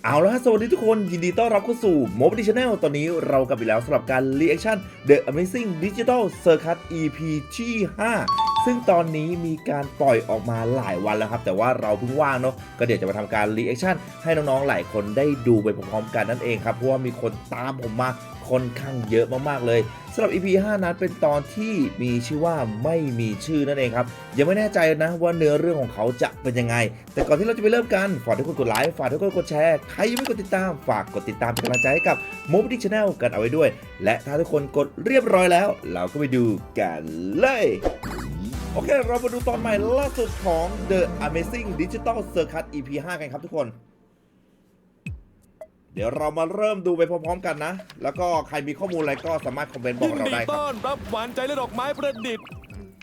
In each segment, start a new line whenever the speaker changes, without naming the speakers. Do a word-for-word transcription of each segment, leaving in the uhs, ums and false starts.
เอาละสวัสดีทุกคนยินดีต้อนรับเข้าสู่ Mobile Channel ตอนนี้เรากลับอีกแล้วสำหรับการ Reaction The Amazing Digital Circus อี พี ที่ห้าซึ่งตอนนี้มีการปล่อยออกมาหลายวันแล้วครับแต่ว่าเราเพิ่งว่างเนาะก็เดี๋ยวจะมาทำการ Reaction ให้น้องๆหลายคนได้ดูไปพร้อมๆกันนั่นเองครับเพราะว่ามีคนตามผมมาค่อนข้างเยอะมากๆเลยสำหรับ อี พี ห้านั้นเป็นตอนที่มีชื่อว่าไม่มีชื่อนั่นเองครับยังไม่แน่ใจนะว่าเนื้อเรื่องของเขาจะเป็นยังไงแต่ก่อนที่เราจะไปเริ่มกันฝากทุกคนกดไลค์ฝากทุกคนกดแชร์ใครยังไม่กดติดตามฝากกดติดตามเป็นกำลังใจให้กับ Mobile Channel กันเอาไว้ด้วยและถ้าทุกคนกดเรียบร้อยแล้วเราก็ไปดูกันเลยโอเคเรามาดูตอนใหม่ล่าสุดของ The Amazing Digital Circus อี พี ห้า กันครับทุกคนเดี๋ยวเรามาเริ่มดูไปพร้อมๆกันนะแล้วก็ใครมีข้อมูลอะไรก็สามารถคอมเมนต์บอกเราได้ครับ
ต้อนรับหวานใจและดอกไม้ประดิษฐ์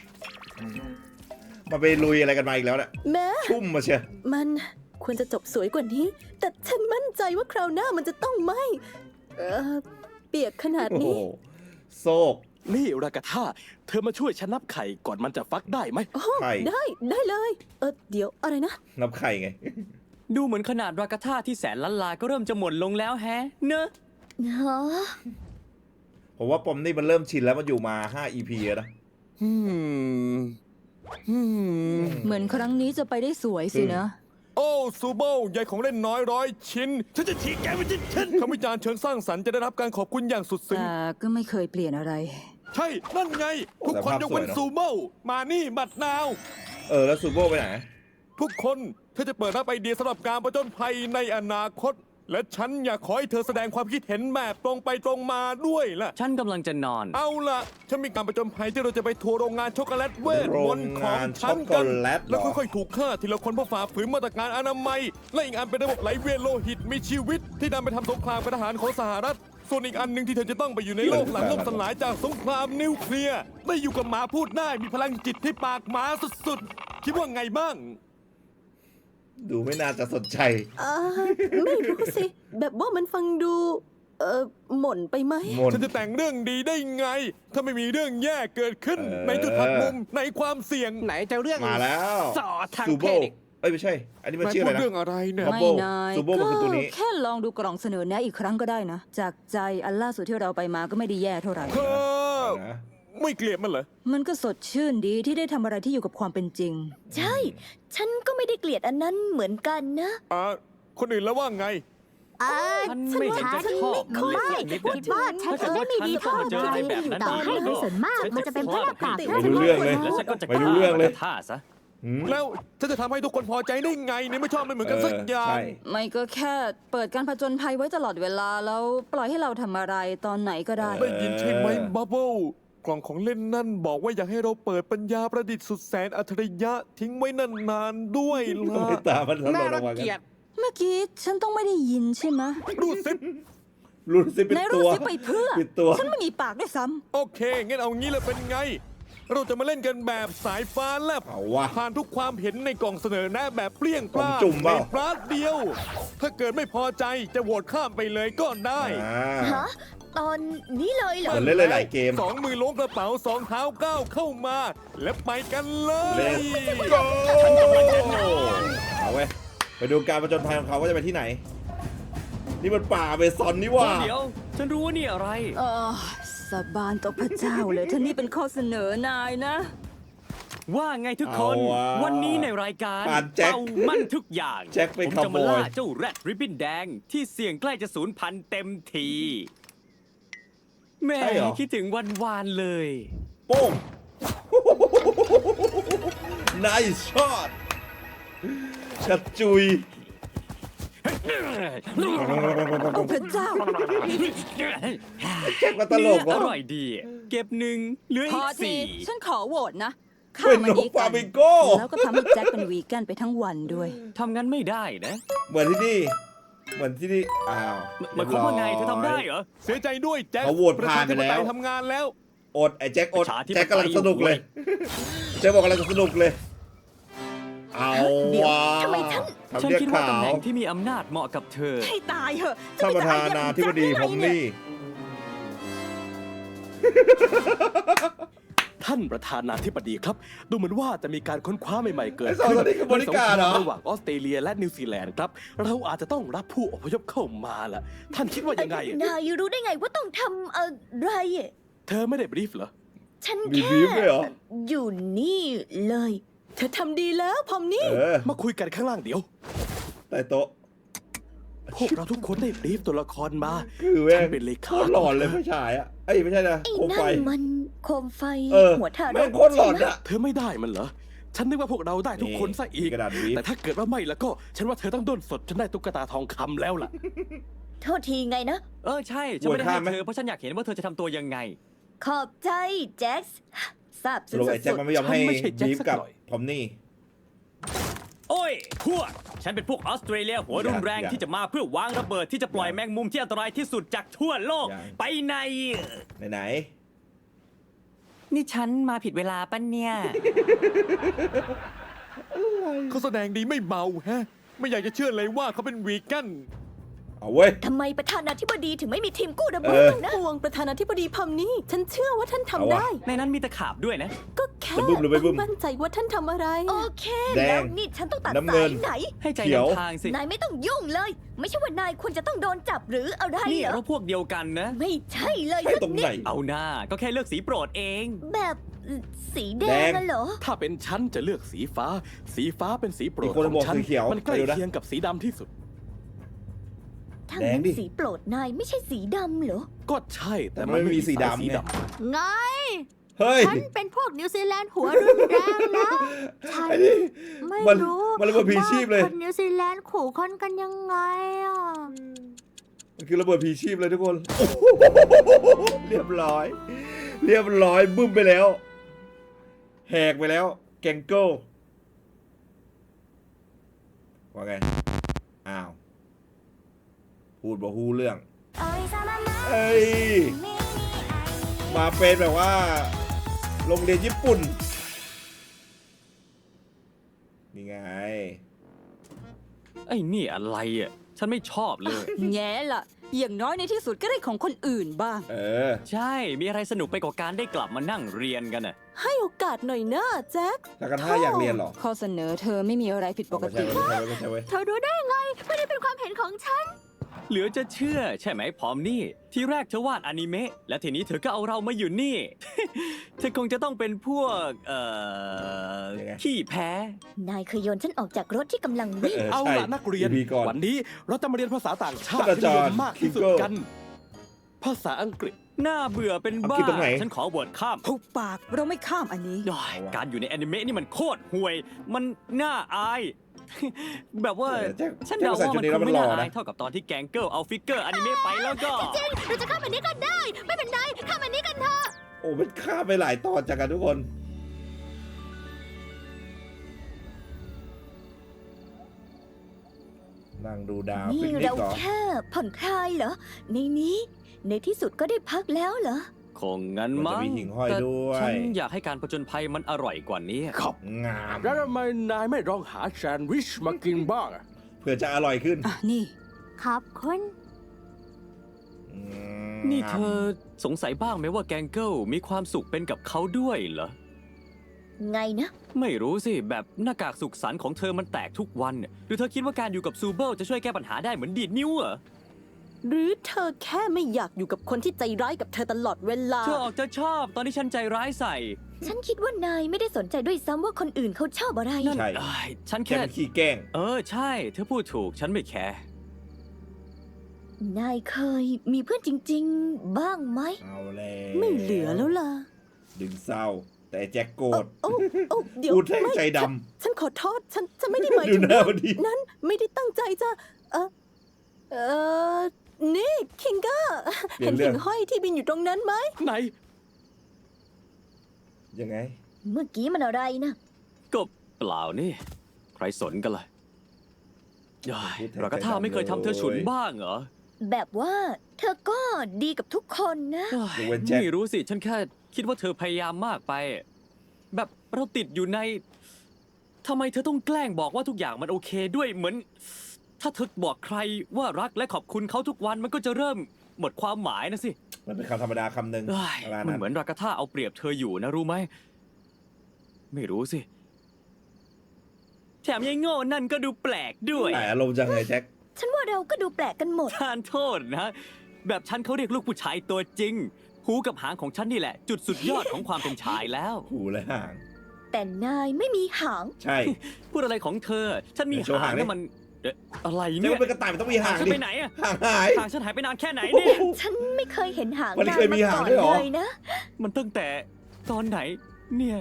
มาไปลุยอะไรกันมาอีกแล้วเนี่ย
แม่
ชุ่มมาเชีย
มันควรจะจบสวยกว่านี้แต่ฉันมั่นใจว่าคราวหน้ามันจะต้องไม่เออเปียกขนาดนี้
โซก
นี่รากาธาเธอมาช่วยฉันนับไข่ก่อนมันจะฟักได้ไหม
ไข่
ได้ได้เลยเออเดี๋ยวอะไรนะ
นับไข่ไง
ดูเหมือนขนาดรากาธาที่แสนล้านลาก็เริ่มจะหมดลงแล้วแฮะเนอะ
ฮะ
ผมว่าปอมนี่มันเริ่มชินแล้วมันอยู่มาห้า อี พี แล้วนะ
เหมือนครั้งนี้จะไปได้สวยสินะ
โอ้ซูโบใหญ่ของเล่นน้อยร้อยชิ้นฉันจะฉีกแกไปชิ้นชิ้นคำวิจารณ์เชิงสร้างสรรค์จะได้รับการขอบคุณอย่างสุดซึ้ง
แต่ก็ไม่เคยเปลี่ยนอะไร
ใช่นั่นไงทุกคนยกเว้นซูโบมานี่บัดนาว
เออแล้วซูโบไปไหน
ทุกคนเธอจะเปิดรับไอเดียสำหรับการประจนภัยในอนาคตและฉันอยากขอให้เธอแสดงความคิดเห็นแบบตรงไปตรงมาด้วยล่ะ
ฉันกำลังจะนอน
เอาล่ะฉันมีการประจนภัยที่เราจะไปทัวร์โรงงานช็อกโกแลตเวทมนต์ของฉันกันแล้วค่อยๆถูกฆ่าทีละคนเพราะฝ่าฝืนมาตรการอนามัยและอีกอันเป็นระบบไหลเวียนโลหิตมีชีวิตที่นำไปทำสงครามกับทหารของสหรัฐส่วนอีกอันหนึ่งที่เธอจะต้องไปอยู่ในโลกหลังล่มสลายจากสงครามนิวเคลียร์ได้อยู่กับหมาพูดได้มีพลังจิตที่ปากหมาสุดๆคิดว่าไงบ้าง
ดูไม่น่าจะสนใจ
อ่าไม่รู้สิแบบว่ามันฟังดูเออหม่นไปไหม
ฉันจะแต่งเรื่องดีได้ไงถ้าไม่มีเรื่องแย่เกิดขึ้นในจุดหักมุมในความเสี่ยง
ไหนจะเรื่อง
มาแล้ว
สอทาง
เพศเอ้ยไม่ใช่อันนี้มันชื่ออะไรนะ
เรื่องอะไรเนี่ย
ไม่นายก็แค่ลองดูกล่องเสนอแนะอีกครั้งก็ได้นะจากใจอันล่าสุดที่เราไปมาก็ไม่ได้แย่เท่าไหร่
ไม่เกลียดมันเหรอ
มันก็สดชื่นดีที่ได้ทำอะไรที่อยู่กับความเป็นจริงใช่ฉันก็ไม่ได้เกลียดอันนั้นเหมือนกันนะ
อ่าคนอื่นแล้วว่าไง
อ่าฉันว่าฉันไม่ค่อยคิดว่าฉันจะไม่มีท่าอะไร
ต่อให้
ในส่วนมากมันจะเป็นเพราะอากาศ
ไม่รู้เรื่องเลยไม่รู้เรื่องเลย
ท่าซะ
แล้วฉันจะทำให้ทุกคนพอใจได้ไงเนี่ยไม่ชอบไม่เหมือนกันสักอย่าง
ไม่ก็แค่เปิดการผจญภัยไว้ตลอดเวลาแล้วปล่อยให้เราทำอะไรตอนไหนก็ได้
ได้ยินใช่ไหมบับเบิ้ลกล่องของเล่นนั่นบอกว่าอยากให้เราเปิดปัญญาประดิษฐ์สุดแสนอัจฉริยะทิ้งไว้นานๆด้วยล่ะ
ตามันน่ารัก
เมื่อกี้ฉันต้องไม่ได้ยินใช่ไหม
รูดซิป
รูดซิปเป็นตัว
รูดซิปไปเพื่อฉันไม่มีปากด้วยซ้
ำโอเคงั้นเอางี้เลยเป็นไงเราจะมาเล่นกันแบบสายฟ้าแลบผ่านทุกความเห็นในกล่องเสนอแนะแบบเปรี้ยงปร้าในปราดเดียวถ้าเกิดไม่พอใจจะโหวตข้ามไปเลยก็ได้
ฮะตอนนี้เลยเหรอ
เล่นหลายเกม
สองมือล้วงกระเป๋าสองเท้าก้าวเข้ามาและไปกันเลย
เอาไว้ไปดูการประจนภัยของเขาว่าจะไปที่ไหนนี่มันป่าเบซอนนี่ว่า
เดี๋ยวฉันรู้ว่านี่อะไร
อ๋อสาบานต่อพระเจ้าเลยท่านนี่เป็นข้อเสนอนายนะ
ว่าไงทุกคนวันนี้ในรายการเป่ามั่นทุกอย่าง
ผม
จะมาล่าเจ้าแรดริบบิ้นแดงที่เสี่ยงใกล้จะสูญพันธุ์เต็มทีแม่คิดถึงวันวานเลย
โป้ง nice shot ชัดจุย
โอ้พระเจ้า
แจ็คมาตลก
อร่อยดีเก็บหนึ่งเหลืออีกสี่
ฉันขอโหวตนะ
ข้ามันนี้กัน
แล้วก็ทำให้แจ็คเป็นวีแกนไปทั้งวันด้วย
ทำงั้นไม่ได้นะ
เหมือนที่นี่เหมือนที่นี่อ้าว
หมายความว่าไงเธอทำได้เหรอ
เสียใจด้วยแจ็ค
เขาโหวตผ่านไปแล้ว
ทำงานแล้ว
อดไอ้แจ็คอดแจ็คกำลังสนุกเลยแจ็คบอกกำลังสนุกเลยเอาว่ะ
ทำไมฉัน
ฉันคิดว่าตำแหน่งที่มีอำนาจเหมาะกับเธอ
ให้ตายเหอะ
ท่านประธานาธิบดีผมนี่
ท่านประธานาธิบดีครับ ดูเหมือนว่าจะมีการค้นคว้าใหม่ๆเกิด
ไอ้สอง
ขึ้น
คนนี้คือบริการเหรอ
ในสงคมระหว่างออสเตรเลียและนิวซีแลนด์ครับ เราอาจจะต้องรับผู้อพยพเข้ามาล่ะ ท่านคิดว่ายังไง
นายรู้ได้ไงว่าต้องทำอะไรอะ
เธอไม่ได้บรีฟเหรอ
ฉัน
มี
แค่
บีฟด้วยเหรอ
อยู่นี่เลย
เธอทำดีแล้วพอมนี่
เออ
มาคุยกันข้างล่างเดี๋ยว
ใต้โต๊ะ
พวกเราทุกคนได้บรีฟตัวละครมา
คือแม่ง
ฉันเป็นเล
โค
ขา
ตรหลอนเลยผู้ชายอ่ะเอ้ยไม่ใช่นะ
ไอ้
โคมไฟ
นั่นมันโคมไฟ
เออ
หัวทาร
แม่ง
ก
โคตรหลอน
ใช่ไหม
อ่ะ
เธอไม่ได้มันเหรอ ฉันนึกว่าพวกเราได้ทุกคนซะอีก
กระดาษบีฟ
แต่ถ้าเกิดว่าไม่แล้วก็ ฉันว่าเธอต้องด้นสดจนได้ตุ๊กตาทองคำแล้วล่ะ
โทษทีไงนะ
เออใช่ ฉันไม่ได้
อวย
ให้
ข้ามไหม
เธอเพราะฉันอยากเห็นว่าเธอจะทำตัวยังไง
ขอบใจแจ็คส์ทราบ
ส
สุด
รุปไอ้แจ็ค
ๆ
มันไม่ยอมให้
ฉันไม่ใช่แจ็ค
บีฟ
สัก
กับ
หน่อย
พอมนี่
โอ้ย พวก ฉันเป็นพวกออสเตรเลียหัวรุนแรง
อย่า
ที่จะมาเพื่อวางระเบิดที่จะปล่อย
อย่า
แมงมุมที่อันตรายที่สุดจากทั่วโลก
อย่า
ไปใน
ไหนไหน
นี่ฉันมาผิดเวลาปะเนี่ย
เขาแสดงดีไม่เมาแฮะ ไม่อยากจะเชื่อเลยว่าเขาเป็นวีแกน
ๆเอาเว้ย
ทำไมประธานาธิบดีถึงไม่มีทีมกู้ระ
เอ
เบิ
อ
ดนะ
ห่วงประธานาธิบดีพอมนี่ ฉันเชื่อว่าท่าน
เอา
ทำ
วะ
ได้
ในนั้นมีตะขาบด้วยนะ
ก็แค่
จะบึ้มหรือไม่บึ้ม
ต้องมั่นใจว่าท่านทำอะไร
โอเค
แดง
แล้วนี่ฉันต้องตัด
น้ำเงิ
สาน ยไหน
ให้ใจ
เขียว
นำทางสิ
นายไม่ต้องยุ่งเลย ไม่ใช่ว่านายควรจะต้องโดนจับหรืออะไร
นี่
เหรอ
เราพวกเดียวกันนะ
ไม่ใช่เลย
ใช่
สัก
ตรง
นิ
ไหน
ด
เอาหน้าก็แค่เลือกสีโปรดเอง
แบบสีแด
แด
ง
ง
อะเหรอ
ถ้าเป็นฉันจะเลือกสีฟ้า สีฟ้าเป็นสีโปร
อี
ด
กคน
ของ
บอก
ฉัน
สีเขียว
มันใกล้
ไปดูนะ
เคียงกับสีดำที่สุด
ถ้า
แดง
งั้น
ดิ
สีโปรดนายไม่ใช่สีดำเหรอ
ก็ใช่แต่
แต่
มัน
ไม่มีสี
สาย
ดำ
สี
ไง
ดำ
ไง
เฮ้ย
ฉันเป็นพวกนิวซีแลนด์หัวรุนแรงนะ ฉัน
ไอ้นี่
ไม่
มัน
รู้
มันระเบิดผีชีพเลย
ว่าคนนิวซีแลนด์ขู่คนกันยังไงอ่ะ
มันคือระเบิดผีชีพเลยทุกคนโอ้โหเรียบร้อย เรียบร้อยบึ้มไปแล้ว แหกไปแล้ว แกงโก้ว่าไง อ้าว พูดบอกฮู้เรื่อง เอ้ย มาเป็นแบบว่า โรงเรียนญี่ปุ่น นี่ไง
ไอ้นี่อะไรอ่ะ ฉันไม่ชอบเลย
แง่ล่ะ อย่างน้อยในที่สุดก็ได้ของคนอื่นบ้าง
เออ
ใช่ มีอะไรสนุกไปกว่าการได้กลับมานั่งเรียนกันน่ะ
ให้โอกาสหน่อยนะแจ็ค
ถ้ากันถ้าอยากเรียนเหรอ
ข้อเสนอเธอไม่มีอะไรผิดปก
ไม่ใช่
ติ
ไม่ใช่ไม่ใช่เว้ย
เธอรู้ได้ไง ไม่ได้เป็นความเห็นของฉัน
เหลือจะเชื่อใช่ไหมพร้อมนี่ ที่แรกเธอวาดอนิเมะและทีนี้เธอก็เอาเรามาอยู่นี่ เธอคงจะต้องเป็นพวก เอ่อ
ยังไง
ขี้แพ้
นายเคยโยนฉันออกจากรถที่กำลังวิ่ง
เออ
เอา
ใช่
ล่ะนักเรียน
อี พีก่อน
วันนี้เราจะมาเรียนภาษาต่างชาติ
ท่านอา
ที่
จา
นิ
ร
ย
ย์
มมากที่สุด
คิงเกิล
กัน ภาษาอังกฤษ
หน้าเบื่อเป็น
เอา
บ้า
คิดตรงไหน
ฉันขอเวิร์ดข้าม
ทุกปากเราไม่ข้ามอันนี้
ด้อยการอยู่ในแอนิเมะนี่มันโคตรห่วย มันน่าอาย แบบว่า
เออแจ็ค
ฉัน
แจ็ค
เดา
ใส่
ว่า
ชุ
มั
ด
น
นี้
ค
แล้ว
ง
มัน
ไม่
หล่
น่า
อนะ
อายเท่ากับตอนที่แกงเกิลเอาฟิกเกอร์อนิเมะไปแล้วก็
เราจะข้ามอันนี้ก็ได้ ไม่เป็นไร ข้ามอันนี้กันเถอะ
โอ้มันข้ามไปหลายตอนจากกันทุกคน นั่งดูดาว
นี่
ปิกนิก
เรา
เหรอ
แค่ผ่อนคลายเหรอ ในนี้ ในที่สุดก็ได้พักแล้วเหรอ
คงงั้น
มัน
มั้
จะ
ง
มีหิ่งห้อย
แต่
ด้วย
ฉันอยากให้การผจญภัยมันอร่อยกว่านี้
ครับ
งาม
แล้วทำไมนายไม่ลองหาแซนด์วิชมากินบ้างอะ
เพื่อจะอร่อยขึ้น
อ่ะ นี่
ครับคุณ
อืม
นี่เธอสงสัยบ้างไหมว่าแกงเกิลมีความสุขเป็นกับเขาด้วยเหรอ
ไงนะ
ไม่รู้สิ แบบหน้ากากสุขสันต์ของเธอมันแตกทุกวันเนี่ยหรือเธอคิดว่าการอยู่กับซูเบิลจะช่วยแก้ปัญหาได้เหมือนดีดนิ้วเหรอ
หรือเธอแค่ไม่อยากอยู่กับคนที่ใจร้ายกับเธอตลอดเวลา
เธอออกจะชอบตอนที่ฉันใจร้ายใส่
ฉันคิดว่านายไม่ได้สนใจด้วยซ้ำว่าคนอื่นเขาชอบอะไร
นั่น
ใช่
เอ้ยฉัน
แค่
แค่
มันขี้แกล้ง
เออใช่ เธอพูดถูกฉันไม่แคร์
นายเคยมีเพื่อนจริง ๆ บ้างไหม
เอาแล้ว
ไม่เหลือแล้วล่ะ
ดึงเศร้า แต่แจ็คโกรธ
โอ้โอ้เดี๋ยว
พูดแท่ง
ไม่
ใจด
ฉันฉันขอโทษ ฉันฉันไม่ได้หมาย
ดู
ถึง
หน้า
ว่า
พอดี
นั้นไม่ได้ตั้งใจจะ เออเออนี่คิงเกอร์
เปลี่
เห็
ยน
น
เรื่
หิ
อง
่งห้อยที่บินอยู่ตรงนั้นไหม
ไหน
ยังไง
เมื่อกี้มันอะไรนะ
ก็เปล่านี่ ใครสนกันล่ะเอ้ย
พูดแทน
เราก็ท่าไม่เคยทำเธอฉุนบ้างเหรอ
แบบว่าเธอก็ดีกับทุกคนนะ
เอ้ย
ยกเว้นแจ็ค
ไม่รู้สิ ฉันแค่คิดว่าเธอพยายามมากไป แบบเราติดอยู่ในทำไมเธอต้องแกล้งบอกว่าทุกอย่างมันโอเคด้วยเหมือน ถ้าเธอบอกใครว่ารักและขอบคุณเขาทุกวันมันก็จะเริ่มหมดความหมายนะสิ
มันเป็นคำธรรมดาคำหนึ่ง
เอ้ย
ประมาณ
มัน
นั้น
เหมือนรากาธาเอาเปรียบเธออยู่นะรู้ไหม ไม่รู้สิ แถมยังโง่นั่นก็ดูแปลกด้วย
หลายอารมณ์จังเลยแจ็ค
ฉันว่าเราก็ดูแปลกกันหมด
ทานโทษนะ แบบฉันเขาเรียกลูกผู้ชายตัวจริง หูกับหางของฉันนี่แหละ จุดสุดยอดของความเป็นชายแล้ว
หูและห่าง
แต่นายไม่มีหาง
ใช่
พูดอะไรของเธอ ฉันมี
โชว์
หา
หาง งดิ
นะมันเอ๊ะอะไร
นี่
เนี่ย
มันเป็นกระต่ายมันต้องมี
หา
ห่าง ง
ฉัน
ดิ
ไปไหนอะ
ห่างหาย
หางฉันหายไปนานแค่ไหนเนี่ย
ฉันไม่เคยเห็นหาง
มัน
นาย
เคยมี
มา
หาง
ก่อน
ด้วยเหรอ
เลยนะ
มันตั้งแต่ตอนไหน เนี่ย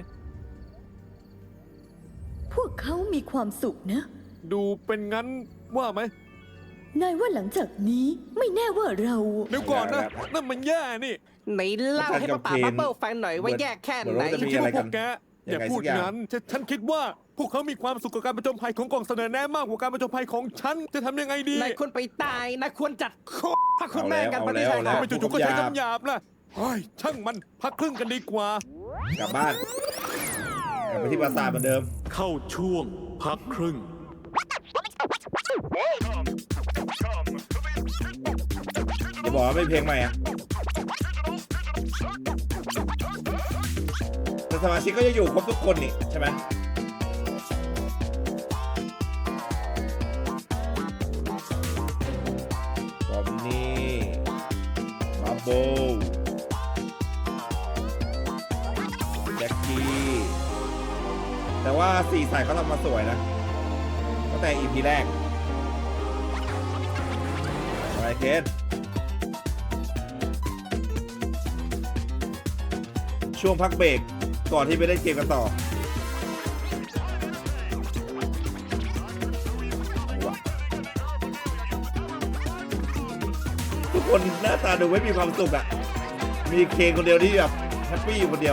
พวกเขามีความสุขนะ
ดูเป็นงั้นว่าไหม
นายว่าหลังจากนี้ไม่แน่ว่าเรา
เดี๋ยวก่อนนะ นั่นมันแย่นี่
ไหนเล่าให้ป้าป่าบับเบิ้ลฟังหน่อยว่าแยกแค่
เหมือน
ไหน
ว่าจะ
ฉัน
มี
คิด
อะไร
ว่าพ
กั
วน กแกอย่า
ยังไง
พูด
สักอย่าง
งั้นฉันฉันคิดว่าพวกเขามีความสุขกับการประจนภัยของกล่องเสนอแนะมากกว่าการประจนภัยของฉัน จะทำยังไงดี
นายควรไปตายนายควรจัด
โค
พระคุณแม่กัน
เอา
ป
แล้ว
ฏิชัย
เอาแล้ว
ค่ะ
ทำไมจู่ๆก็ใช้คำหยาบล่ะเฮ้ยช่างมันพักครึ่งกันดีกว่า
กลับบ้านกลับไปที่ปราสาทเหมือนเดิม
เข้าช่วงพักครึ่ง
อย่าบอกว่าไม่เพลงใหม่อะแต่สมาชิกก็จะอยู่ครบทุกคนนี่ใช่ไหมบอมนี่บับโบแจ็คกี้ แต่ว่าสีสันเขาทำมาสวยนะตั้งแต่ อี พี แรกอะไรเคนช่วงพักเบรกก่อนที่ไปเล่นเกมกันต่อว้าทุกคนหน้าตาดูไม่มีความสุขอ่ะ มีเคนคนเดียวที่แบบแฮปปี้อยู่คนเดียว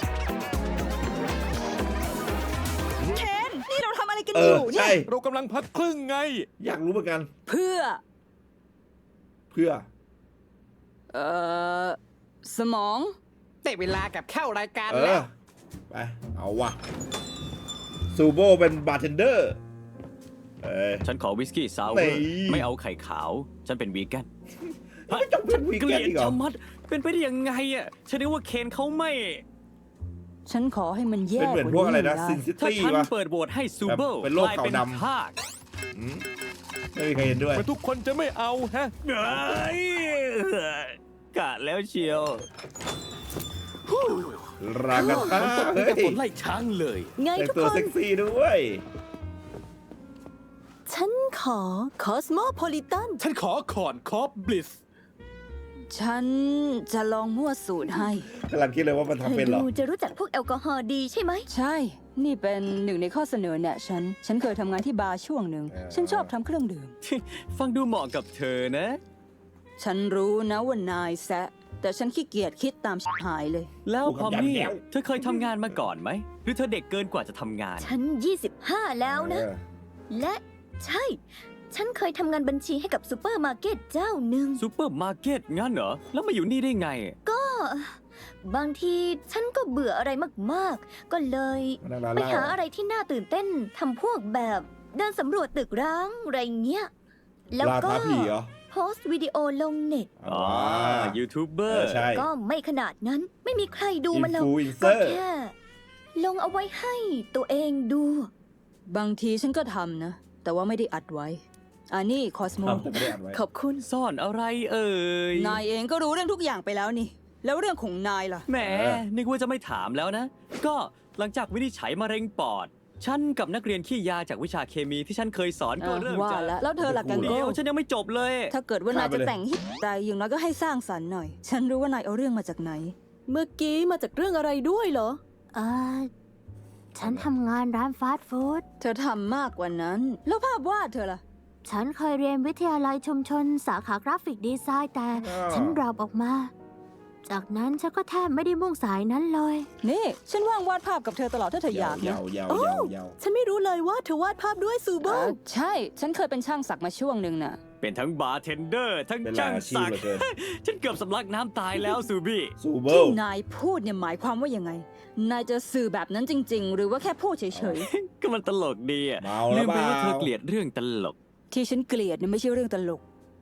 เคนนี่เราทำอะไรกัน
เอ
อ
อยู่
เนี่
ใช่
ย
เรากำลังพักครึ่งไง
อยากรู้เหมือนกัน
เพื่อ
เพื่อ
เอ่อ สมอง
ได้เวลากับเข้ารายการ
เอ
แล้
อ
ว
ไป เอาวะซูโบเป็นบาร์เทนเดอร์ เอ้ย
ฉันขอวิสกี้ซาวเวอ
นี่
ร์ไม่เอาไข่ขาว ฉันเป็นวีแกน
ไม่ต้องเป็นวี
เก
แก
ลี
น
ยด
อีกเหรอ
ชะมัด เป็นไปได้ยังไงอ่ะ ฉันนึกว่าเคนเขาไม่
ฉันขอให้มันแย่
เป็นเหมือนพวกอะไรนะ ซินซิ
ถ้า
ตี้
ฉัน
วะ
เปิดโหวตให้ซูเบิล
แบบเป็นโรค
กลาย
ขาว
เป็น
ดำ
ทาก
อืมไม่มีใครเห็นด้วย
แต่ทุกคนจะไม่เอาฮะ
เอ้ยกะแล้วเชียว
รากาธา
นี่
เฮ้
จะ
ย
ฝนไล่ช้างเลย
ไง
แต่ง
ทุก
ตัว
คน
เซ็กซี่ด้วย
ฉันขอคอสโมโพลิตัน
ฉันขอขอนคอฟบลิส
ฉันจะลองมั่วสูตรให้
กำลังคิดเลยว่ามัน
เธ
ทำ
อ
เป็นเหรอ
ดูจะรู้จักพวกแอลกอฮอล์ดีใช่ไหม
ใช่ นี่เป็นหนึ่งในข้อเสนอแนะฉัน ฉันเคยทำงานที่บาร์ช่วงหนึ่ง
เออ
ฉันชอบทำเครื่องดื่ม
ฟังดูเหมาะกับเธอนะ
ฉันรู้นะว่านายแซะ แต่ฉันขี้เกียจคิดตามชิบหายเลย
แล้วพอมนี่
แล้ว
เธอเคยทำงานมาก่อนไหม หรือเธอเด็กเกินกว่าจะทำงาน
ฉันยี่สิบห้าแล้วนะ
เออ
และใช่ ฉันเคยทำงานบัญชีให้กับซูเปอร์มาร์เก็ตเจ้าหนึ่ง
ซูเปอร์มาร์เก็ตงั้นเหรอ แล้วมาอยู่นี่ได้ไง
บางทีฉันก็เบื่ออะไรมากๆ ก็เลย
มานั่งร้าน
ไป
เหล้า
หาอะไรที่น่าตื่นเต้นทำพวกแบบเดินสำรวจตึกร้างอะไรเงี้ย แล้ว
ลา
ก็
ท้าผีเหรอ
โพสต์วิดีโอลงเน็ต
อ๋อ ยูทูบเบอ
เอ
ร์
อใช่
ก็ไม่ขนาดนั้นไม่มีใครดูมันหรอก
Influencer
ก็แค่ ลงเอาไว้ให้ตัวเองดู
บางทีฉันก็ทำนะ แต่ว่าไม่ได้อัดไว้ อันนี้คอสโม
ทำแต่ไม่ได้อัดไว้
ขอบคุณ
ซ่อนอะไรเอ่ย
นายเองก็รู้เรื่องทุกอย่างไปแล้วนี่ แล้วเรื่องของนายล่ะ
แหม
เออ
นึกว่าจะไม่ถามแล้วนะ ก็หลังจากวินิจฉัยมะเร็งปอด ฉันกับนักเรียนขี้ยาจากวิชาเคมีที่ฉันเคยสอนก็
อ่ะ
เริ่ม
ว่า
จะ
แล้วแล้วเธอล่ะกัน
เดี๋
โก้
ยวฉันยังไม่จบเลย
ถ้าเกิดว่านาย
ข้ามไป
จะ
เลย
แต่งฮิตใจอย่างน้อยก็ให้สร้างสรรค์หน่อย ฉันรู้ว่านายเอาเรื่องมาจากไหน
เมื่อกี้มาจากเรื่องอะไรด้วยเหรอ
เออฉันทำงานร้านฟาสต์ฟู้ด
เธอทำมากกว่านั้น แล้วภาพวาดเธอล่ะ
ฉันเคยเรียนวิทยาลัยชุมชนสาขากราฟิกดีไซน์แต่
อ่า
ฉันดรอปออกมา จากนั้นฉันก็แทบไม่ได้มุ่งสายนั้นเลย
นี่ ฉันว่างวาดภาพกับเธอตลอดถ้าเธออยากนะ
ยาวยาวยาวยาว
ฉันไม่รู้เลยว่าเธอวาดภาพด้วยซูโบ
เอ่อใช่ ฉันเคยเป็นช่างสักมาช่วงหนึ่งน่ะ
เป็นทั้งบาร์เทนเดอร์ ทั้ง
เป็นหลา
ช่าย ง
อาชีพ
สัก
เหลือเกิน
ฉันเกือบสำลักน้ำตายแล้วซูบี้
ซูเบิ
ที่
ล
นายพูดเนี่ยหมายความว่ายังไง นายจะสื่อแบบนั้นจริง ๆ หรือว่าแค่พูดเฉย
ก็มันตลกดีอะ
เมา
ลื
แล้ว
ม
เป
ไป
ล่า
ว่าเธอเกลียดเรื่องตลก
ๆ ที่ฉันเกลียดเนี่ยไม่ใช่เรื่องตลก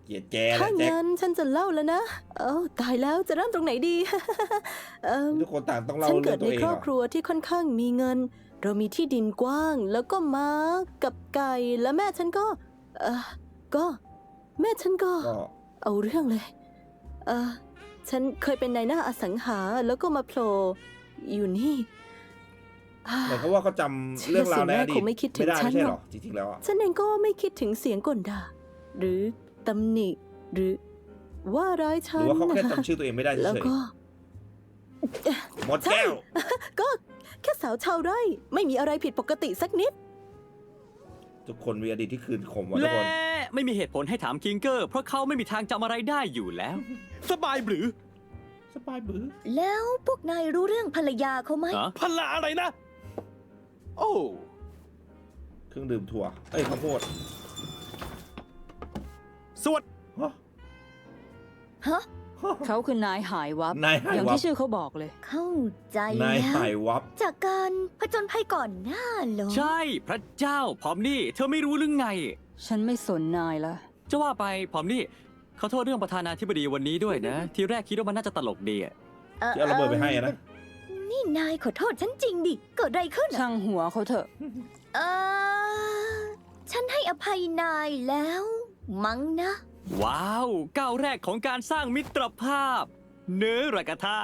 เกลียดแกแหละ
ถ้า
แจ็ค
งั้นฉันจะเล่าแล้วนะ เอ้าตายแล้วจะเริ่มตรงไหนดี เอิ่ม
ทุกคนต่างต้องเล่า
ฉัน
เรื่
เกิ
อ
ด
งตัว
ใน
เอง
ครอบ
เหร
ครัวที่ค่อนข้างมีเงิน เรามีที่ดินกว้าง แล้วก็ม้ากับไก่ และแม่ฉันก็ เออก็ แม่ฉันก็
ก็
เอาเรื่องเลย เออฉันเคยเป็นนายหน้าอสังหา แล้วก็มาโผล่อยู่นี่อ่า
เหมือนกับว่าเขาจำเรื่องราวในอดีต
เชื่อสิแม่คงไม่คิดถึง
ไม่ได้
ฉัน
ไม่ใช่
ห
ห
ร
ร
อ
อก จริงๆแล้วอ่ะ
ฉันเองก็ไม่คิดถึงเสียงก่นด่า หรือตำหนิ หรือว่าร้าย
ห
ฉั
รื
น
อว่าเขาแค่
นะ
จำชื่อตัวเองไม่ได้เฉ
แล้ว
ย
ก็
ๆหมดแก้ว
ก็แค่สาวชาวไร่ ไม่มีอะไรผิดปกติสักนิด
ทุกคนมีอดีตที่คืนขมว่ะทุก
และ
คน
ไม่มีเหตุผลให้ถามคิงเกอร์ เพราะเขาไม่มีทางจำอะไรได้อยู่แล้ว
สบายหรือ
สบายบื้อ
แล้วพวกนายรู้เรื่องภรรยาเขาไหม
ฮะ
พละอะไรนะ โอ้
เครื่องดื่มถั่ว เอ้ยข้าวโพด
สวัสด
ฮะ
ฮะ
เขาคือนายหายวับ
นายหายวับ
อย่างที่ชื่อเขาบอกเลย
เข้าใจ
นาย
แล้ว
หายวับ
จากการผจญภัยก่อนหน้าเหรอ
ใช่พระเจ้าพร้อมนี่ เธอไม่รู้หรือไง
ฉันไม่สนนายละ
จะว่าไปพร้อมนี่ขอโทษเรื่องประธานาธิบดีวันนี้ด้วยนะ ทีแรกคิดว่ามันน่าจะตลกดีอะ
ที่เอาระเบิดไปให้อะนะ
นี่นายขอโทษฉันจริงดิ เกิดอะไรขึ้นอะ
ช่างหัวเขาเถอะ
เออฉันให้อภัยนายแล้ว มั้งนะ
ว้าวก้าวแรกของการสร้างมิตรภาพ เนื้อรากาธา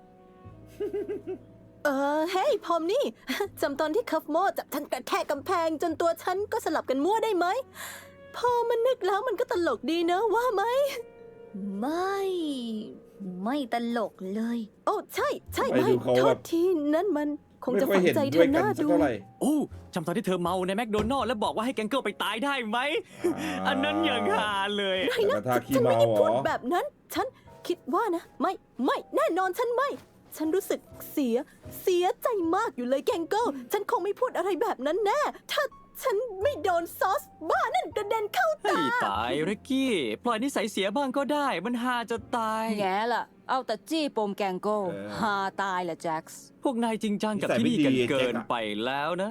เออเฮ้ยพอมนี่ จำตอนที่คัฟโมจับฉันกระแทกกำแพง จนตัวฉันก็สลับกันมั่วได้ไหม พอมันนึกแล้วมันก็ตลกดีเนอะว่าไหม
ไม่ ไม่ตลกเลย
โอ้ใช่ใช่
ไป
ไม่
ดูเขา
โท
แบ
ษ
บ
ทีนั่นมันคง
ไม่
จะ
ค่อย
ฝัง
เห็น
ใจเธ
ด้วย
อ
กัน
หน้า
สัก
ดู
เท่าไหร่
โอ้จำตอนที่เธอเมาในแมคโดนัลล์แล้วบอกว่าให้แกงเกิลไปตายได้ไหม อันนั้นอย่างฮาเลย
ไม่นะ
แต่ถ้าขี้
ฉันไม่
เมา
ได้
เหร
พูด
อ
แบบนั้น ฉันคิดว่านะ ไม่ไม่แน่นอนฉันไม่ ฉันรู้สึกเสีย เสียใจมากอยู่เลยแกงเกิลฉันคงไม่พูดอะไรแบบนั้นแน่ ถ้าฉันไม่โดนซอสบ้านั่นกระเด็นเข้า
ให้
ตา
ตายเรกกี้ ปล่อยนิสัยเสียบ้างก็ได้ มันฮาจะตาย
แง่ล่ะ เอาแต่จี้ปมแกงโก้
เออ
ฮาตายแหละแจ็คส์
พวกนายจริงจังกับ
นิสัย
ที่นี่
ไม่
กัน
ดี
เกิ
แจ็
น
คอะ
ไปแล้วนะ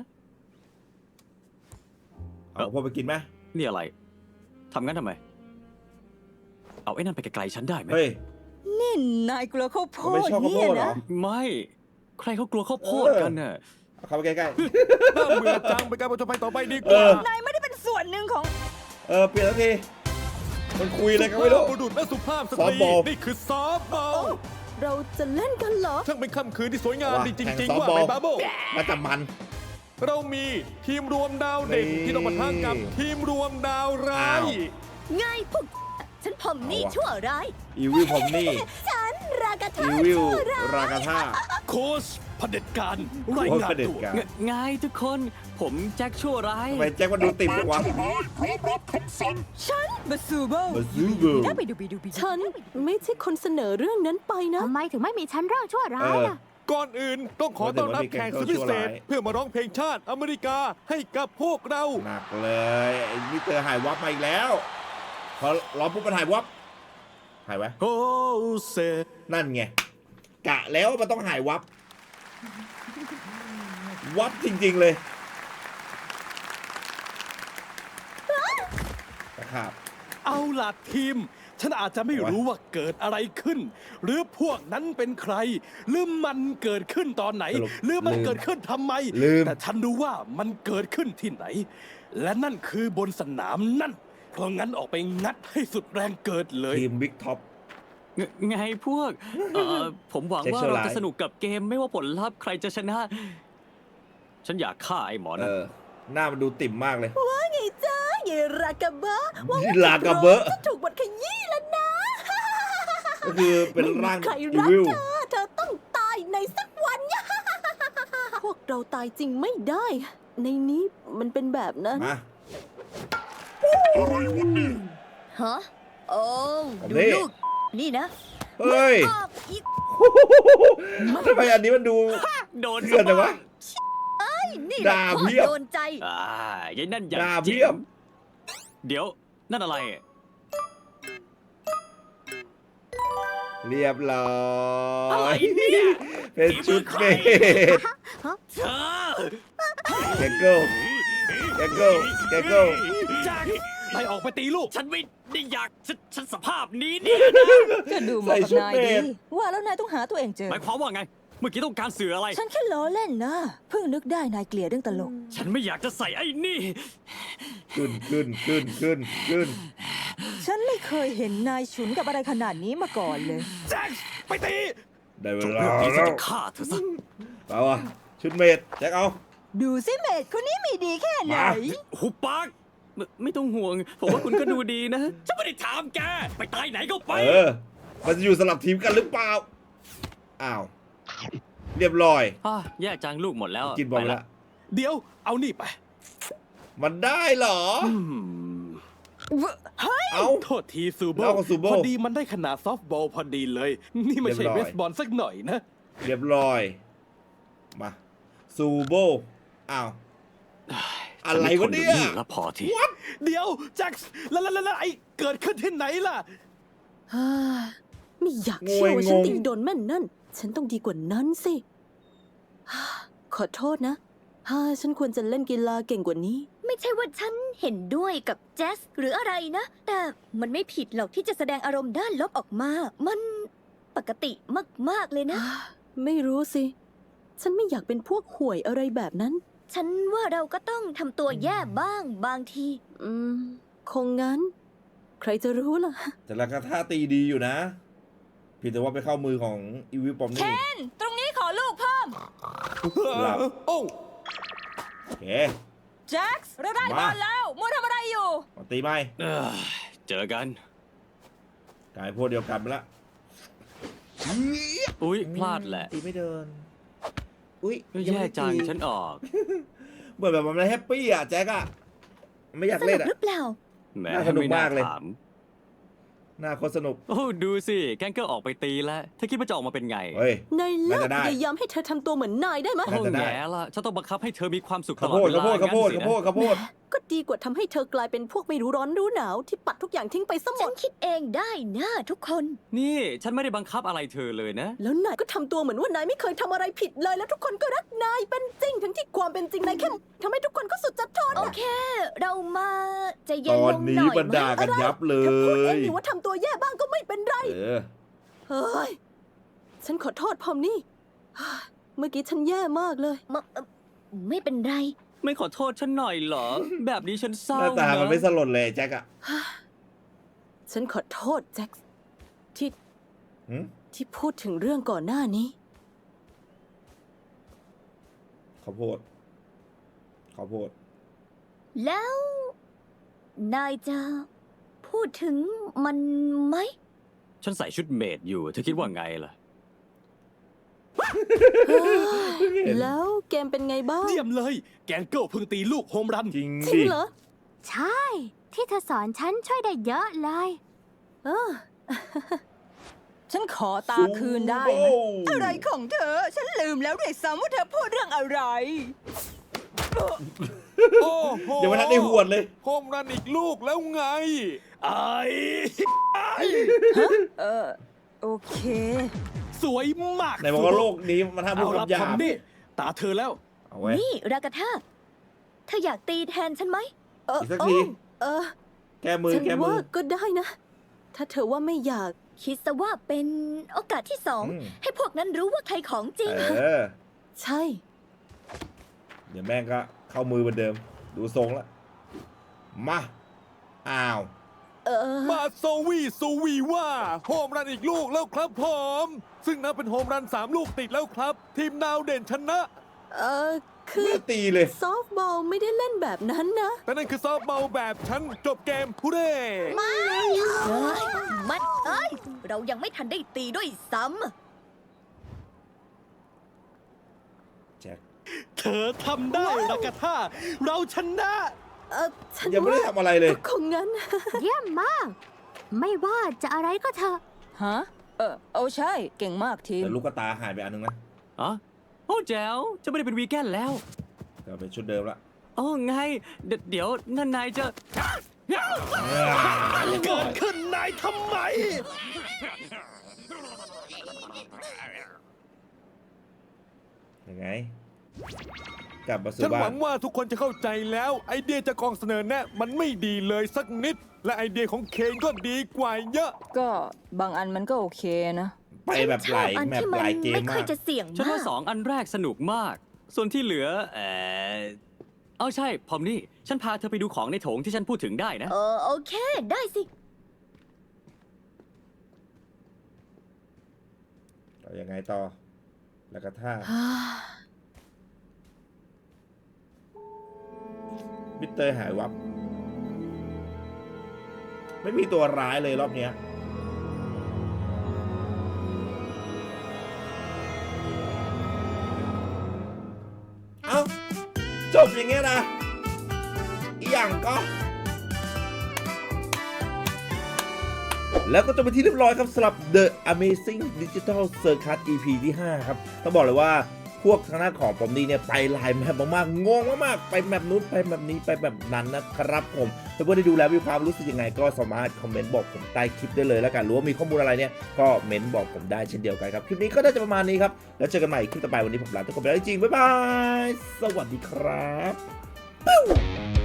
เอาพอไปกินไหม
นี่อะไร ทำงั้นทำไม เอาไอ้นั่นไปไกลๆฉันได้ไหม
เฮ้ย
นี่นายกลัวข้าวโพ
ไม่
ด
ชอบข้าวโพ
เนี่ย
ดเหรอ
นะ
ไม่ ใครเขากลัวข้าวโพดกันน่ะ
เอาเข้าไปใกล้
น่าเบื่อจังไปการประจนภัยต่อไปดีก
เอ
ว่า
อ
นายไม่ได้เป็นส่วนหนึ่งของ
ๆ เออ เปลี่ยนแล้วที มันคุยอะไรกันไม่รู้
สุภาพบุรุษและสุภาพส
ซอ
ต
ฟต์
รี
บอล
นี่คือซอฟต์บอล
เราจะเล่นกันเหรอ
ช่างเป็นค่ำคืนที่สวยงาม
ว่ะ
ดีจ
แข่ง
ริง
ซอ
ๆ
ฟต์
ว่า
บอล
ไหมบาโบ
น่าจะมัน
เรามีทีมรวมดาวเด่น
นี่
ที่ต้องมาท้ากับทีมรวมดาวร้าย
อ้าว
ไงพวก ฉันพอมนี่
เอาวะ
ชั่วร้าย
อีวิลผมนี่
ฉันรากา
อี
ธา
วิล
ชั่วร้าย
รากาธา
โค้ชเผด็จการราย
โค้ช
งาน
เผด็จ
ตัว
การ
ไงไงทุกคน ผมแจ็คชั่วร้าย
ทำไมแจ็คมันดูติ่มจังวะ
ฉันบาซูโบ
มาซูเบิล
ได้ไปดูไปดูไปดู
ฉันไม่ใช่คนเสนอเรื่องนั้นไปนะ
ทำไมถึงไม่มีฉันร่างชั่วร้ายล่ะ
ก่อนอื่นต้องขอต้อนรับแขกสุดพิเศษ เพื่อมาร้องเพลงชาติอเมริกาให้กับพวกเรา
หนักเลยไอ้นี่เจอหายวับมาอีกแล้ว พอร้องปุ๊บมันหายวับ หายไว้
โฮเซ
นั่นไง กะแล้วมันต้องหายวับ วับจริงๆเลยนะครับ
เอาล่ะทีม ฉันอาจจะไม่รู้ว่าเกิดอะไรขึ้น หรือพวกนั้นเป็นใคร หรือมันเกิดขึ้นตอนไหน
สรุป
หรือมัน
ลืม
เกิดขึ้นทำไม
ลืม
แต่ฉันรู้ว่ามันเกิดขึ้นที่ไหน และนั่นคือบนสนามนั่น เพราะงั้นออกไปงัดให้สุดแรงเกิดเลย
ทีมบิ๊กท็อป
ไงไงพวก เออผมหวังว่า
Sexual
เราจะ
Life
สนุกกับเกมไม่ว่าผลลัพธ์ใครจะชนะ ฉันอยากฆ่าไอ้หมอ
เอ
นะ
อ หน้ามันดูติ่มมากเลย
ว่าไงจ้าเยรากาบะว่า
ยี่ลากาเบอะ
จะถูกบทขยี้แล้วนะ
ก็คือเป็นร่าง
ใคร
อี
รัก
วิล
เธอ เธอต้องตายในสักวัน พวกเราตายจริงไม่ได้ ในนี้มันเป็นแบบนั้น
มา
ฮะ โอ้
อัน
ดู
นี้
ลูก นี่นะ
เฮ้ย
ออกอีก
ทำไมอันนี้มันดู
โดน
เถื่อนจังวะ
นี่แหละ
ด่า
ข้อ
เพียบ
โดนใจ
อ่ายัยนั่นอย่าง
ด่า
จริ
เพียบ
งเดี๋ยว นั่นอะไร
เรียบร้อ
อะไร
ย
เนี่ย
เป็นชุดเมด
เธอ
แกเกิลแกเกิลแกเกิล
แจ็คนายออกไปตีลูก
ฉันไม่ได้อยากฉันฉันสภาพนี้เนี่ย
ก็ดูเหมาะกับนาย
ใส่ชุดเม
ดี
ด
ว่าแล้วนายต้องหาตัวเองเจอ
หมายความว่าไง เมื่อกี้ต้องการสื่ออะไร
ฉันแค่ล้อเล่นนะ เพิ่งนึกได้นายเกลียดเรื่องตลก
ฉันไม่อยากจะใส่ไอ้นี่
ขึ้นขึ้นขึ้นขึ้นขึ้น
ฉันไม่เคยเห็นนายฉุนกับอะไรขนาดนี้มาก่อนเลย
แจ็คไปตี
ได้เว
จบ
ลา
เรื่องนี้ฉั
แล้
น
ว
จะฆ่าเธอซะ
เอาวะชุดเมดแจ็คเอา
ดูสิเมดคนนี้มีดีแค่ไหน
มา
หุบปากไม่ไม่ต้องห่วง ผมว่าคุณก็ดูดีนะ ฉันไม่ได้ถามแก ไปตายไหนก็ไป
เออ มันจะอยู่สลับทีมกันหรือเปล่า อ้าว เรียบร้อย
อ่ะแย่จังลูกหมดแล้ว
กินบอลไปละ
เดี๋ยวเอานี่ไป
มันได้เหรอ เอา
โทษทีซูโบ
เอากับซูโบ้
พอดีมันได้ขนาดซอฟต์บอลพอดีเลย นี่ไม่ใช่
เรี
เบ
ยบร้อย
สบอลสักหน่อยนะ
เรียบร้อย มาซูโบอ้าว อะไรวะเนี่ย
ฉัไม่ทดูแล้วพอที
เดี๋ยวแจ็คแล้วแล้วแล้วแล้วไอ้เกิดขึ้นที่ไหนล่ะ
ฮ่าไม่อยากเชื่อว่าฉัน
งง
ตีโดนแม่นนั่น ฉันต้องดีกว่านั้นสิฮ่าขอโทษนะฮ่าฉันควรจะเล่นกีฬาเก่งกว่านี้
ไม่ใช่ว่าฉันเห็นด้วยกับแจสหรืออะไรนะ แต่มันไม่ผิดหรอกที่จะแสดงอารมณ์ด้านลบออกมา มันปกติมาก ๆ เลยนะ
ไม่รู้สิ ฉันไม่อยากเป็นพวกห่วยอะไรแบบนั้น
ฉันว่าเราก็ต้องทำตัวแย่บ้างบางที
อืม คงงั้น ใครจะรู้ล่ะ
แต่ละกระท่าตีดีอยู่นะเพี่แต่ว่าไปเข้ามือของอีวิลปอมนี่
ตรงนี้ขอลูกเพิ่ม
หลับ
โอ้
โอเค
แจ็คเราได้
มา
บอลแล้วมัวทำอะไรอยู่
มาตีไหม
เอ้ยเจอกัน
กลายพวกเดียวกันไปละ
อุ๊ย พลาดแหละ
ตีไม่เดิน อุ้ย
แย่จัง
ยัไม่ได้ตี
ฉันออก
เหมือนแบบมันไม่แฮปปี้อ่ะแจ็คอะไม่อยาก
ส
เล่
นุ
น
ก
อะ
หรือเปล่า
แหม
น่าสนุก
ไม่น่
มากเลย
ถาม
น่าโคตรสนุก
โอ้ดูสิ แกงเกิลออกไปตีแล้วเธอคิดว่าจะออกมาเป็นไง
เฮ้ย
นายเลิ
น่าก จะได้
พยายามให้เธอทำตัวเหมือนนายได้ไหม
น่า
โอ้
จะได้
แย่ละฉันต้องบังคับให้เธอมีความสุขต
ข้าว
ลอ
โพ
ด
ด
เว
ข้าว
ลา
โพดข้าวโพด
งั้นสิ
ข้าวโพด
นะ
ข้าวโพด
ก็ดีกว่าทำให้เธอกลายเป็นพวกไม่รู้ร้อนรู้หนาว ที่ปัดทุกอย่างทิ้งไปซะหม
ฉั
ด
นคิดเองได้นะทุกคน
นี่ฉันไม่ได้บังคับอะไรเธอเลยนะ
แล้วนายก็ทำตัวเหมือนว่านายไม่เคยทำอะไรผิดเลย แล้วทุกคนก็รักนายเป็นจริง ทั้งที่ความเป็นจริงนายแค่ทำให้ทุกคนก็สุดจะทน
โอ
น่ะ
เค เรามาใจะเย็
ต
น
อ
ล
น
ง
นี้
หน่อย
บรร
ไหม
ดากันยับเล
เธอพูดเอง
ย
นี่ว่าทำตัวแย่บ้างก็ไม่เป็นไร
เออ
เฮ้ย ฉันขอโทษพอมนี่ เมื่อกี้ฉันแย่มากเลย
มเอ่อไม่เป็นไร
ไม่ขอโทษฉันหน่อยเหรอ แบบนี้ฉันเศร้า
หน้าตามัน
นะ
ไม่สลดเลยแจ็คอะ
ฉันขอโทษแจ็คที่
หืม
ที่พูดถึงเรื่องก่อนหน้านี้
ข้าวโพดข้าวโพด
แล้ว นายจะพูดถึงมันไหม
ฉันใส่ชุดเมดอยู่ เธอคิดว่าไงล่ะ
แล้วเกมเป็นไงบ้าง
เยี่ยมเลย แกงเกิลเพิ่งตีลูกโฮมรัน
จริง
จริ
ดิ
งเหรอ
ใช่ ที่เธอสอนฉันช่วยได้เยอะเลย
เออ
ฉันขอตาคืนได้ไหมอะไรของเธอ ฉันลืมแล้วด้วยซ้ำว่าเธอพูดเรื่องอะไร
โอ้โห
ยังไม่ทันได้หวดเลย
โฮมรันอีกลูกแล้วไง
ไอ้
เออ โอเค
สวยมาก
ไหนบอกว่าโลกนี้มันห้ามพู
เอา
ด
ละ
คำหยา
พอบ มนี่ตาเธอแล้ว
เอาไว้
นี่รากาธาเธออยากตีแทนฉันไหม
เออ
อีกสัก
เอ
ที
อเออ
แก้มือ
ฉัน
แก้มื
ว่า
อ
ก็ได้นะ ถ้าเธอว่าไม่อยาก
คิดซะว่าเป็นโอกาสที่สอง
อืม
ให้พวกนั้นรู้ว่าใครของจริง
เออ
ใช่
เดี๋ยวแม่งก็เข้ามือเหมือนเดิม ดูทรงแล้ว มา อ้าว
เออ
มาโซวีโซวีว่าโฮมรันอีกลูกแล้วครับผม ซึ่งนับเป็นโฮมรันสามลูกติดแล้วครับ ทีมดาวเด่นชนะ
เออ คือ
แม่ตีเลย
ซอฟต์บอลไม่ได้เล่นแบบนั้นนะ
แต่นั่นคือซอฟต์บอลแบบฉันจบเกมผู้เร่
เอ้ยมันเอ้ย เรายังไม่ทันได้ตีด้วยซ้
แจ็ค
เธอทำได้รากาธาเราชนะ
เออฉัน
ยังไม่ได้
ว่า
ทำอะไรเลย
ก็คงงั้น
เยี่ยมมาก ไม่ว่าจะอะไรก็เถอะ
ฮะ เออ เอาใช่ เก่งมากทีม
แต่ลูกกระตาหายไปอันนึงนะ
อ๋อ โอ้แจ๋วจะไม่ได้เป็นวีแกนแล้ว
ก็เป็นชุดเดิมละ
โอ้ไง เดยวเดี๋ยวนั่นนายจะ
เกิดขึ้นนายทำไม
ยังไงกลับมาสู่
ฉันห
บ้า
วัน งว่าทุกคนจะเข้าใจแล้ว ไอเดียจากกองเสนอแนะมันไม่ดีเลยสักนิด และไอเดียของเคนก็ดีกว่าเยอะ
ก็บางอันมันก็โอเคนะ
ไปแบบหลาย
ฉันชอบอัน
แมป
ที่มั
หลายเกม
ไม่ค่
มา
อย
ก
จะเสี่ยง
ฉัน
มา
ว่าก สองอันแรกสนุกมาก ส่วนที่เหลือ เออเอาใช่ พอมนี่ ฉันพาเธอไปดูของในโถงที่ฉันพูดถึงได้นะ
เออโอเค ได้สิ
ต่อยังไงต่อ แล้วก็ท่ามิสเตอร์หายวับ ไม่มีตัวร้ายเลยรอบเนี้ยเอ้า จบอย่างเงี้ยนะอีหยังก็ แล้วก็จบไปที่เรียบร้อยครับสำหรับ The Amazing Digital Circus อี พี ที่ ห้า ครับ ต้องบอกเลยว่าพวกทางหน้าของผมนี่เนี่ยไปหลายแมปมากๆงงมากๆไปแมปนู้นไปแมปนี้ไปแบบนั้นนะครับผมถ้าเพื่อนได้ดูแล้วมีความรู้สึกยังไงก็สามารถคอมเมนต์บอกผมใต้คลิปได้เลยแล้วกันหรือว่ามีข้อมูลอะไรเนี่ยก็เม้นบอกผมได้เช่นเดียวกันครับคลิปนี้ก็น่าจะประมาณนี้ครับแล้วเจอกันใหม่คลิปต่อไปวันนี้ผมลาทุกคนไปแล้วจริงๆบ๊ายบายสวัสดีครับ